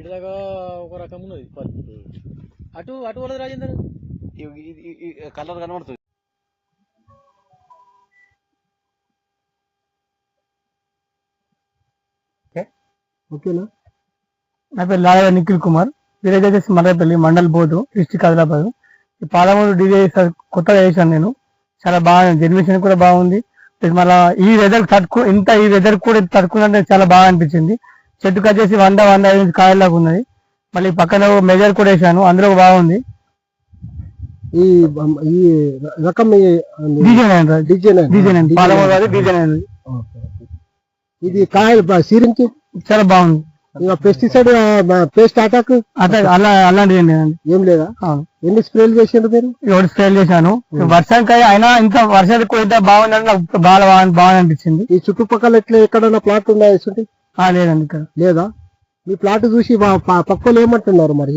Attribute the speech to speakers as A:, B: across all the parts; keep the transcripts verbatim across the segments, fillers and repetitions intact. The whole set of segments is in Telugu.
A: ఇటుదాకా ఒక రకం ఉన్నది అటు అటు వాళ్ళది రాజేందర్
B: కలర్ కనబడుతుంది.
C: ఓకేనా. నా పేరు లాగా నిఖిల్ కుమార్, విలేజ్ వచ్చేసి మర్రపల్లి, మండల్ బోధు, డిస్టిక్ ఆదిలాబాద్. ఈ పాలమూరు డీజే కొత్తగా వేసాను నేను, చాలా బాగా జనరేషన్ కూడా బాగుంది. మళ్ళీ ఈ వెదర్ తట్టుకు ఇంత ఈ వెదర్ కూడా తట్టుకున్నట్టే చాలా బాగా అనిపించింది. చెట్టుకు వచ్చేసి వంద వంద ఐదు కాయలాగా ఉన్నది. మళ్ళీ పక్కన మెజర్ కూడా వేసాను, అందులో బాగుంది.
D: ఈ ఈ రకం ఇది కాయలు సీరించి
C: చాలా బాగుంది.
D: ఇక పెస్టిసైడ్ పేస్ట్ అటాక్
C: అలా అలాంటిది
D: ఏం లేదా? ఎన్ని స్ప్రేలు చేసారు మీరు?
C: ఏడు స్ప్రేలు చేశాను. వర్షానికి అయినా ఇంత వర్షానికి కూడా ఇంత బాగుందని నాకు బాగా బాగా అనిపించింది.
D: ఈ చుట్టుపక్కల ఎట్లా ఎక్కడన్నా ప్లాట్ ఉన్నాయా?
C: లేదండి, ఇక్కడ
D: లేదా. మీ ప్లాట్ చూసి పక్కలు ఏమంటున్నారు మరి?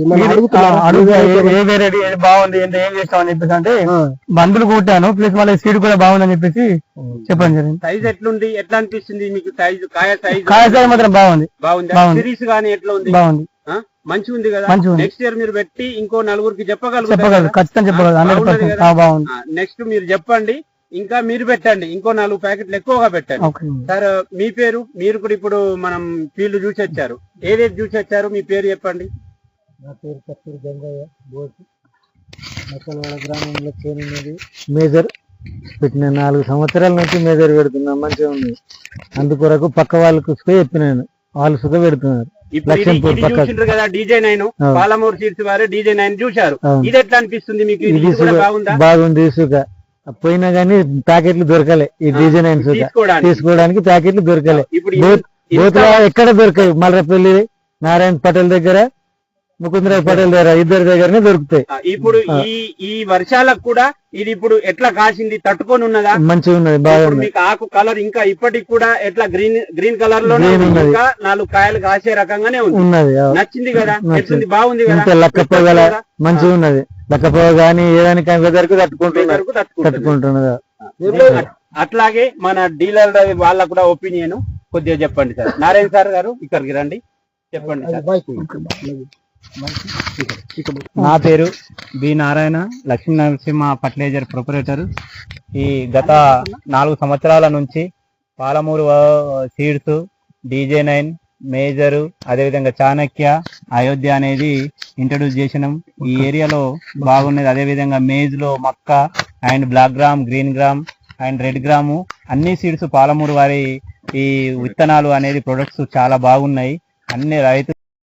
C: బాగుంది, ఏం చేస్తామని చెప్పేసి అంటే బందులు కొట్టాను, ప్లస్ మళ్ళీ సీడ్ కూడా బాగుందని చెప్పేసి చెప్పడం జరిగింది.
B: సైజ్ ఎట్లుంది, ఎట్లా అనిపిస్తుంది మీకు? సైజ్ కాయ సైజ్
C: కాయ సైజ్ మాత్రం బాగుంది.
B: బాగుంది. సిరీస్ గానీ ఎట్లా ఉంది?
C: బాగుంది,
B: మంచిగా ఉంది కదా. నెక్స్ట్ ఇయర్ మీరు పెట్టి ఇంకో నలుగురికి చెప్పగలరు?
C: చెప్పగలరు, ఖచ్చితంగా చెప్పగలరు.
B: నెక్స్ట్ మీరు చెప్పండి, ఇంకా మీరు పెట్టండి, ఇంకో నాలుగు ప్యాకెట్లు ఎక్కువగా పెట్టండి. సార్ మీ పేరు? మీరు కూడా ఇప్పుడు మనం ఫీల్డ్ చూసి వచ్చారు, ఏదేది చూసి వచ్చారు, మీ పేరు చెప్పండి.
D: నా పేరు కస్తూరి గంగయ్య, బోసు, మక్కలవాడ గ్రామంలో చేనున్నది. మేజర్ పెట్టిన నాలుగు సంవత్సరాల నుంచి మేజర్ పెడుతున్నా, మంచిగా ఉంది. అందుకొరకు పక్క వాళ్ళకు చెప్పినాను, వాళ్ళు సుఖ పెడుతున్నారు.
B: చూసిండ్రు కదా డీజే నైన్, పాలమూరు సీడ్స్ వారు డీజే నైన్ చూశారు. ఇది ఎట్లా అనిపిస్తుంది మీకు?
D: బాగుంది. సుఖ పోయినా గానీ ప్యాకెట్లు దొరకలే, ఈ డీజే నైన్ సుఖ తీసుకోవడానికి ప్యాకెట్లు దొరకలే. బోతులో ఎక్కడ దొరకాయి, మల్రపల్లి నారాయణ పటేల్ దగ్గర, ముకుందరావు పటేల్ దగ్గర, ఇద్దరి దగ్గరనే దొరుకుతాయి.
B: ఇప్పుడు ఈ ఈ వర్షాలకు కూడా ఇది ఇప్పుడు ఎట్లా కాసింది, తట్టుకొని ఉన్నదా?
D: మంచిగా ఉన్నది, బాగుంది.
B: మీకు ఆకు కలర్ ఇంకా ఇప్పటికి కూడా ఎట్లా గ్రీన్ గ్రీన్ కలర్ లో ఇంకా నాలుగు కాయలు కాసే రకంగానే ఉన్నది. నచ్చింది కదా, నచ్చింది, బాగుంది కదా.
D: లక్కపోగల మంచిగా ఉన్నది. లక్కపోగ గానీ ఏదానికి వెదర్ కు తట్టుకుంటున్నారు తట్టుకుంటున్నదా.
B: అట్లాగే మన డీలర్ వాళ్ళ కూడా ఒపీనియన్ కొద్దిగా చెప్పండి సార్. నారాయణ సార్ గారు ఇక్కడికి రండి, చెప్పండి సార్.
E: నా పేరు B Narayana, Lakshmi Narasimha fertilizer proprietor. ఈ గత నాలుగు సంవత్సరాల నుంచి Palamuru seeds, DJ nine, major, అదేవిధంగా చాణక్య, అయోధ్య అనేది ఇంట్రడ్యూస్ చేసినాం. ఈ ఏరియాలో బాగున్నది. అదేవిధంగా మేజ్ లో మక్క and black gram, green gram and red gram అన్ని సీడ్స్ పాలమూరు వారి ఈ విత్తనాలు అనేది ప్రొడక్ట్స్ చాలా బాగున్నాయి. అన్ని రైతు